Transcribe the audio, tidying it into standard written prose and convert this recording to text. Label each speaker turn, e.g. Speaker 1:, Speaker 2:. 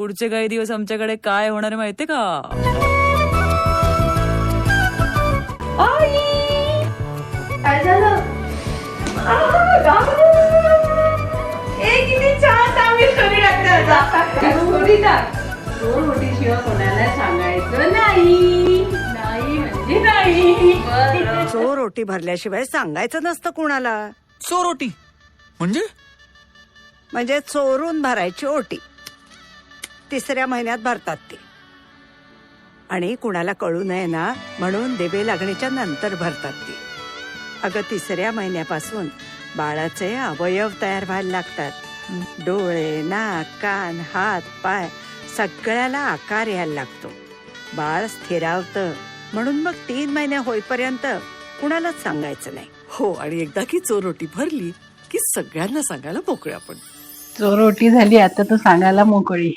Speaker 1: पुढचे काही दिवस आमच्याकडे काय होणार आहे माहितीये का?
Speaker 2: काय झालं? किती छान सांगितलं स्टोरी टाकतात. स्टोरी टाक. चोर रोटी शिवाय कोणाला सांगायचं नाही. नाही म्हणजे नाही.
Speaker 3: चोर ओटी भरल्याशिवाय सांगायचं नसतं कुणाला.
Speaker 4: चोरोटी
Speaker 3: म्हणजे चोरून भरायची ओटी. 3ऱ्या महिन्यात भरतात ती. आणि कुणाला कळू नये ना म्हणून देवे लागणीच्या नंतर भरतात ती. अगं 3ऱ्या महिन्यापासून बाळाचे अवयव तयार व्हायला लागतात. डोळे, नाक, कान, हात, पाय सगळ्याला आकार यायला लागतो. बाळ स्थिरावतं. म्हणून मग 3 महिने होईपर्यंत कुणालाच सांगायचं नाही.
Speaker 5: हो, आणि एकदा की चोरोटी भरली की सगळ्यांना सांगायला मोकळे आपण.
Speaker 2: चोर रोटी झाली आता तू सांगायला मोकळी.